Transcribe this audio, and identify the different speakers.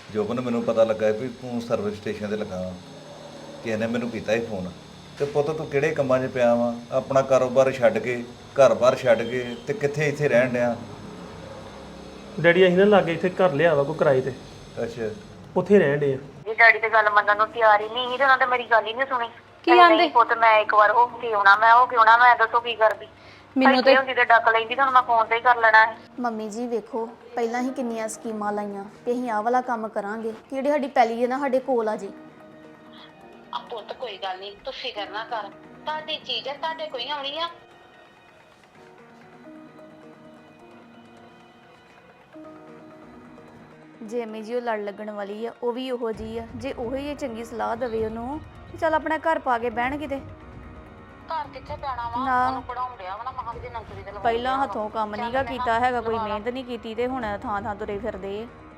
Speaker 1: ਜੋਬਨ ਮੈਨੂੰ ਪਤਾ ਲੱਗਾ ਵੀ ਤੂੰ ਸਰਵਿਸ ਸਟੇਸ਼ਨ ਤੇ ਲੱਗਾ ਵਾ। ਕਿਸੇ ਨੇ ਮੈਨੂੰ ਕੀਤਾ ਸੀ ਫੋਨ ਤੇ ਪੁੱਤ ਤੂੰ ਕਿਹੜੇ ਕੰਮਾਂ 'ਚ ਪਿਆ ਵਾ? ਆਪਣਾ ਕਾਰੋਬਾਰ ਛੱਡ ਕੇ ਘਰ-ਬਾਰ ਛੱਡ ਕੇ ਤੇ ਕਿੱਥੇ ਇੱਥੇ ਰਹਿਣ ਡਿਆ?
Speaker 2: ਡੈਡੀ ਅਸੀਂ ਨਾ ਲਾਗੇ ਇੱਥੇ ਘਰ ਲਿਆ ਵਾ ਕੋਈ ਕਿਰਾਏ ਤੇ,
Speaker 1: ਅੱਛਾ।
Speaker 2: ਉੱਥੇ ਰਹਿਣ ਡੇ ਆ।
Speaker 3: ਇਹ ਡੈਡੀ ਤੇ ਗੱਲ ਮੰਨਣ ਨੂੰ ਤਿਆਰ ਹੀ ਨਹੀਂ ਸੀ ਤੇ ਉਹਨਾਂ ਨੇ ਮੇਰੀ ਗੱਲ ਹੀ ਨਹੀਂ ਸੁਣੀ।
Speaker 4: ਕੀ ਆਂਦੇ?
Speaker 3: ਨਹੀਂ ਪੁੱਤ ਮੈਂ ਇੱਕ ਵਾਰ ਹੋ ਕੇ ਆਉਣਾ, ਮੈਂ ਦੱਸੋ ਕੀ ਕਰਦੀ?
Speaker 4: ਮੈਨੂੰ ਤੇ
Speaker 3: ਹੁੰਦੀ ਤੇ ਡੱਕ ਲੈਂਦੀ ਤਾਂ ਮੈਂ ਫੋਨ ਤੇ ਹੀ ਕਰ ਲੈਣਾ ਸੀ।
Speaker 5: ਮੰਮੀ ਜੀ ਵੇਖੋ, ਪਹਿਲਾਂ ਹੀ ਕਿੰਨੀਆਂ ਸਕੀਮਾਂ ਲਾਈਆਂ ਕਿ ਅਸੀਂ ਆਹ ਵਾਲਾ ਕੰਮ ਕਰਾਂਗੇ ਕਿ ਜਿਹੜੀ ਸਾਡੀ ਪੈਲੀ ਹੈ ਨਾ ਸਾਡੇ ਕੋਲ ਆ ਜੀ।
Speaker 6: ਆ ਪੁੱਤ ਕੋਈ ਗੱਲ ਨਹੀਂ, ਤੂੰ ਫਿਕਰ ਨਾ ਕਰ। ਤੁਹਾਡੀ ਚੀਜ਼ ਹੈ, ਤੁਹਾਡੇ ਕੋਈ ਆਉਣੀ ਆ।
Speaker 5: ਜੇ ਅੰਮੀ ਜੀ ਉਹ ਲੜ ਲੱਗਣ ਵਾਲੀ ਆ, ਉਹ ਵੀ ਉਹੋ ਜੀ ਆ। ਜੇ ਉਹੋ ਹੀ ਚੰਗੀ ਸਲਾਹ ਦੇਵੇ ਉਹਨੂੰ ਕਿ ਚੱਲ ਆਪਣਾ ਘਰ ਪਾ ਕੇ ਬਹਿਣ ਕਿਤੇ।
Speaker 6: ਘਰ ਕਿੱਥੇ ਪੈਣਾ ਵਾ?
Speaker 5: ਨਾ।
Speaker 6: ਉਹਨੂੰ ਪੜਾਉਣ ਡਿਆ ਵਾ ਨਾ, ਮਹਾਂ ਦੀ ਨੌਕਰੀ ਤੇ ਲਵਾਉਣ
Speaker 5: ਪਹਿਲਾਂ
Speaker 6: ਡਿਆ ਵਾ।
Speaker 5: ਹੱਥੋਂ ਕੰਮ ਨਹੀਂਗਾ ਕੀਤਾ ਹੈਗਾ, ਕੋਈ ਮਿਹਨਤ ਨਹੀਂ ਕੀਤੀ ਤੇ ਹੁਣ ਥਾਂ ਥਾਂ ਤੁਰੇ ਫਿਰਦੇ ਆ।